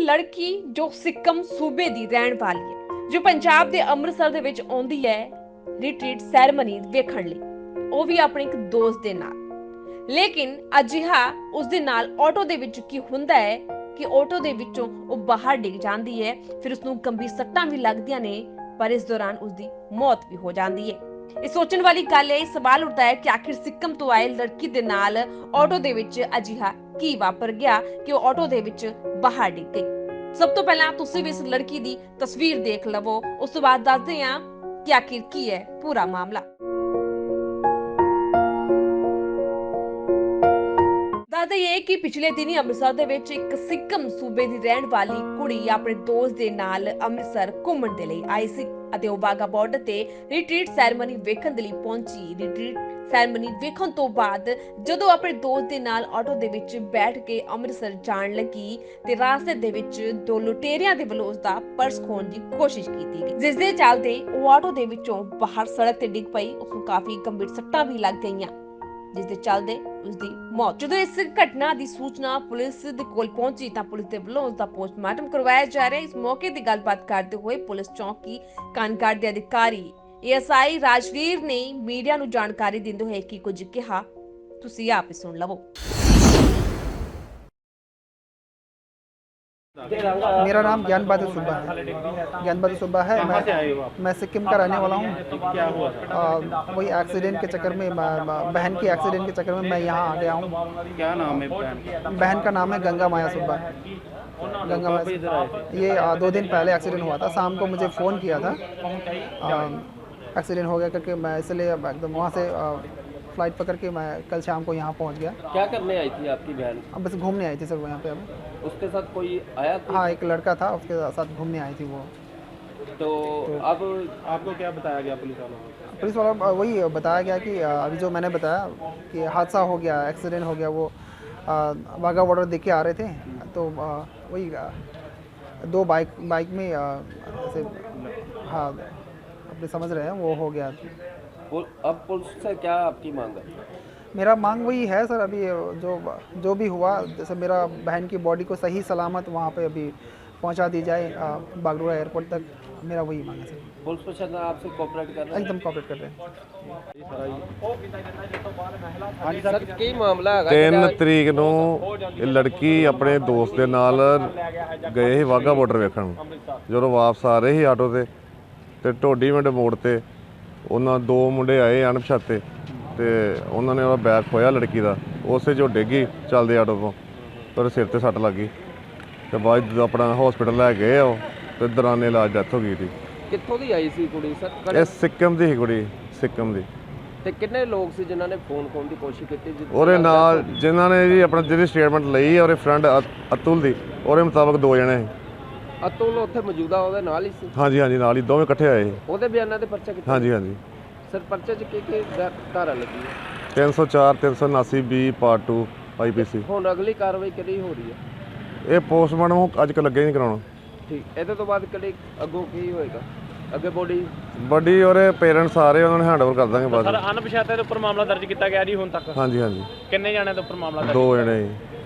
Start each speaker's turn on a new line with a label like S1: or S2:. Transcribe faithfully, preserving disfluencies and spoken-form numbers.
S1: लड़की जो सिक्किम सूबे दी रहण वाली है, जो पंजाब दे अमृतसर दे विच आउंदी है रिट्रीट सैरेमनी वेखण लई, ਉਹ ਵੀ ਆਪਣੇ ਇੱਕ ਦੋਸਤ ਦੇ ਨਾਲ। ਲੇਕਿਨ ਅਜਿਹਾ ਉਸ ਦੇ ਨਾਲ ਆਟੋ ਦੇ ਵਿੱਚ ਕੀ ਹੁੰਦਾ ਹੈ ਕਿ ਆਟੋ ਦੇ ਵਿੱਚੋਂ ਉਹ ਬਾਹਰ ਡਿੱਗ ਜਾਂਦੀ ਹੈ, ਫਿਰ ਉਸ ਨੂੰ ਗੰਭੀਰ ਸੱਟਾਂ ਵੀ ਲੱਗਦੀਆਂ ਨੇ, ਪਰ ਇਸ ਦੌਰਾਨ ਉਸ ਦੀ ਮੌਤ ਵੀ ਹੋ ਜਾਂਦੀ ਹੈ। ਇਹ ਸੋਚਣ ਵਾਲੀ ਗੱਲ ਹੈ, ਇਹ ਸਵਾਲ ਉੱਠਦਾ ਹੈ ਕਿ ਆਖਿਰ ਸਿੱਕਿਮ ਤੋਂ ਆਏ ਲੜਕੀ ਦੇ ਨਾਲ ਆਟੋ ਦੇ ਵਿੱਚ ਅਜਿਹਾ ਕੀ ਵਾਪਰ ਗਿਆ ਕਿ ਉਹ ਆਟੋ ਦੇ ਵਿੱਚ ਬਾਹਰ ਡਿੱਗ ਗਈ। ਸਭ ਤੋਂ ਪਹਿਲਾਂ ਤੁਸੀਂ ਵੀ ਇਸ ਲੜਕੀ ਦੀ ਤਸਵੀਰ ਦੇਖ ਲਵੋ, ਉਸ ਤੋਂ ਬਾਅਦ ਦੱਸਦੇ ਹਾਂ ਕਿ ਆਖਿਰ ਕੀ ਹੈ ਪੂਰਾ ਮਾਮਲਾ। ਦੱਸਦਾ ਇਹ ਹੈ ਕਿ ਪਿਛਲੇ ਦਿਨੀ ਅੰਮ੍ਰਿਤਸਰ ਦੇ ਵਿੱਚ ਇੱਕ ਸਿੱਕਮ ਸੂਬੇ ਦੀ ਰਹਿਣ ਵਾਲੀ ਕੁੜੀ ਆਪਣੇ ਦੋਸਤ ਦੇ ਨਾਲ ਅੰਮ੍ਰਿਤਸਰ ਘੁੰਮਣ ਦੇ ਲਈ ਆਈ ਸੀ ਅਤੇ ਉਹ ਵਾਘਾ ਬਾਰਡਰ ਤੇ ਰਿਟਰੀਟ ਸੈਰੇਮਨੀ ਵੇਖਣ ਦੇ ਲਈ ਪਹੁੰਚੀ। ਰਿਟਰੀਟ ਸੈਰੇਮਨੀ ਵੇਖਣ ਤੋਂ ਬਾਅਦ ਜਦੋਂ ਆਪਣੇ ਦੋਸਤ ਦੇ ਨਾਲ ਆਟੋ ਦੇ ਵਿੱਚ ਬੈਠ ਕੇ ਅੰਮ੍ਰਿਤਸਰ ਜਾਣ ਲੱਗੀ ਤੇ ਰਾਸਤੇ ਦੇ ਵਿੱਚ ਦੋ ਲੁਟੇਰਿਆਂ ਦੇ ਵੱਲੋਂ ਉਸ ਦਾ ਪਰਸ ਖੋਹਣ ਦੀ ਕੋਸ਼ਿਸ਼ ਕੀਤੀ ਗਈ, ਜਿਸ ਦੇ ਚੱਲਦੇ ਉਹ ਆਟੋ ਦੇ ਵਿੱਚੋਂ ਬਾਹਰ ਸੜਕ ਤੇ ਡਿੱਗ ਪਈ। ਉਸ ਨੂੰ ਕਾਫੀ ਗੰਭੀਰ ਸੱਟਾਂ ਵੀ ਲੱਗ ਗਈਆਂ, ਜਿਸ ਦੇ ਚੱਲਦੇ ਉਸ ਦੀ ਮੌਤ। ਜਦੋਂ ਇਸ ਘਟਨਾ ਦੀ ਸੂਚਨਾ ਪੁਲਿਸ ਦੇ ਕੋਲ ਪਹੁੰਚੀ ਤਾਂ ਪੁਲਿਸ ਦੇ ਵੱਲੋਂ ਉਸ ਦਾ ਪੋਸਟਮਾਰਟਮ ਕਰਵਾਇਆ ਜਾ ਰਿਹਾ ਹੈ। ਇਸ ਮੌਕੇ ਦੀ ਗੱਲਬਾਤ ਕਰਦੇ ਹੋਏ ਪੁਲਿਸ ਚੌਕੀ ਕਾਨਗੜ ਦੇ ਅਧਿਕਾਰੀ ਏਐਸਆਈ ਰਾਜਵੀਰ ਨੇ ਮੀਡੀਆ ਨੂੰ ਜਾਣਕਾਰੀ ਦਿੰਦੇ ਹੋਏ ਕੀ ਕੁਝ ਕਿਹਾ, ਤੁਸੀਂ ਆਪ ਹੀ ਸੁਣ ਲਵੋ।
S2: मेरा नाम ज्ञान बहादुर सुब्बा है। ज्ञान बहादुर सुब्बा है। मैं मैं सिक्किम का रहने वाला हूँ।
S3: क्या हुआ था?
S2: वही एक्सीडेंट के चक्कर में बहन की एक्सीडेंट के चक्कर में मैं यहाँ आ गया हूँ।
S3: क्या नाम है बहन का?
S2: बहन का नाम है गंगा माया सुब्बा। गंगा माया, ये दो दिन पहले एक्सीडेंट हुआ था। शाम को मुझे फ़ोन किया था एक्सीडेंट हो गया करके, मैं इसलिए एकदम वहाँ से फ्लाइट पकड़ के मैं कल शाम को यहाँ पहुँच गया।
S4: क्या करने आई थी आपकी बहन?
S2: अब बस घूमने आई थी सर यहाँ पे। अब
S4: उसके साथ कोई आया था?
S2: हाँ, एक लड़का था, उसके साथ घूमने आई थी वो।
S4: तो, तो अब
S3: आपको क्या बताया गया पुलिस वालों को?
S2: पुलिस वाला वही बताया गया कि अभी जो मैंने बताया कि हादसा हो गया, एक्सीडेंट हो गया। वो वाघा बॉर्डर देख के आ रहे थे तो वही दो बाइक बाइक में ऐसे, हाँ अपने समझ रहे हैं, वो हो गया।
S4: अब पुलिस से क्या आपकी मांग है?
S2: मेरा मांग वही है सर, अभी जो जो भी हुआ, जैसे मेरा बहन की बॉडी को सही सलामत वहाँ पे अभी पहुँचा दी जाए बागडोगरा एयरपोर्ट तक, मेरा वही मांग है सर।
S4: पुलिस प्रशासन आपसे कोऑपरेट कर रहा है?
S2: एकदम कोऑपरेट कर रहे हैं।
S4: सर की मामला है?
S5: तीन तरीक ਨੂੰ ਇਹ ਲੜਕੀ ਆਪਣੇ ਦੋਸਤ ਦੇ ਨਾਲ ਗਏ ਸੀ ਵਾਘਾ ਬਾਰਡਰ ਵੇਖਣ। ਜਦੋਂ ਵਾਪਸ ਆ ਰਹੇ ਸੀ ਆਟੋ ਤੇ ਤੇ ਢੋਡੀ ਮਿੰਟ ਮੋੜ ਤੇ ਉਹਨਾਂ ਦੋ ਮੁੰਡੇ ਆਏ ਅਣਪਛਾਤੇ ਤੇ ਉਹਨਾਂ ਨੇ ਉਹਦਾ ਬੈਗ ਖੋਇਆ ਲੜਕੀ ਦਾ, ਉਸੇ ਜੋ ਡਿੱਗੀ ਚੱਲਦੇ ਆਟੋ ਤੋਂ, ਪਰ ਸਿਰ ਤੇ ਸੱਟ ਲੱਗੀ ਤੇ ਬਾਅਦ ਆਪਣਾ ਹਸਪੀਟਲ ਲੈ ਗਏ ਉਹ ਤੇ ਦੌਰਾਨੇ ਇਲਾਜ ਡੈਥ ਹੋ ਗਈ ਸੀ।
S4: ਕਿੱਥੋਂ ਦੀ ਆਈ ਸੀ ਕੁੜੀ ਸਰ?
S5: ਇਹ ਸਿੱਕਿਮ ਦੀ ਸੀ ਕੁੜੀ, ਸਿੱਕਿਮ ਦੀ।
S4: ਤੇ ਕਿੰਨੇ ਲੋਕ ਸੀ ਜਿਨ੍ਹਾਂ ਨੇ ਫੋਨ ਕਰਨ ਦੀ ਕੋਸ਼ਿਸ਼ ਕੀਤੀ?
S5: ਉਹਦੇ ਨਾਲ ਜਿਨ੍ਹਾਂ ਨੇ ਜੀ ਆਪਣਾ ਜਿਹੜੀ ਸਟੇਟਮੈਂਟ ਲਈ ਹੈ ਉਹਦੇ ਫਰੈਂਡ ਅਤੁਲ ਦੀ, ਉਹਦੇ ਮੁਤਾਬਕ ਦੋ ਜਣੇ ਸੀ।
S4: ਅਤੁਲ ਉੱਥੇ ਮੌਜੂਦਾ ਉਹਦੇ ਨਾਲ ਹੀ ਸੀ?
S5: ਹਾਂਜੀ ਹਾਂਜੀ, ਨਾਲ ਹੀ ਦੋਵੇਂ ਇਕੱਠੇ ਆਏ ਸੀ।
S4: ਉਹਦੇ ਬਿਆਨਾਂ ਤੇ ਪਰਚਾ ਕੀਤਾ?
S5: ਹਾਂਜੀ ਹਾਂਜੀ।
S4: ਸਰ ਪਰਚੇ 'ਚ ਕੀ ਕੀ ਧਾਰਾ ਲੱਗੀ ਹੈ?
S5: ਤਿੰਨ ਸੌ ਚਾਰ, ਤਿੰਨ ਸੌ ਉਨਾਸੀ B part two I P C.
S4: ਹੁਣ ਅਗਲੀ ਕਾਰਵਾਈ ਕਿਹੜੀ ਹੋ ਰਹੀ ਹੈ?
S5: ਇਹ ਪੋਸਟਮਾਰਟਮ ਅੱਜ ਕੱਲ੍ਹ ਲੱਗੇ ਨਹੀਂ ਕਰਾਉਣਾ।
S4: ਠੀਕ, ਇਹਦੇ ਤੋਂ ਬਾਅਦ ਕਿਹੜੀ ਅੱਗੋਂ ਕੀ ਹੋਏਗਾ? ਅੱਗੇ ਬੋਡੀ
S5: ਵੱਡੀ ਉਹਦੇ ਪੇਰੈਂਟਸ ਸਾਰੇ ਉਹਨਾਂ ਨੂੰ ਹੈਂਡਓਵਰ ਕਰ ਦਾਂਗੇ ਬਾਅਦ।
S3: ਸਰ ਅਣਪਛਾਤੇ ਦੇ ਉੱਪਰ ਮਾਮਲਾ ਦਰਜ ਕੀਤਾ ਗਿਆ ਜੀ ਹੁਣ ਤੱਕ?
S5: ਹਾਂਜੀ ਹਾਂਜੀ,
S3: ਕਿੰਨੇ ਜਣਿਆਂ ਦੇ ਉੱਪਰ ਮਾਮਲਾ ਦਰਜ?
S5: ਦੋ ਜਣੇ ਜੀ।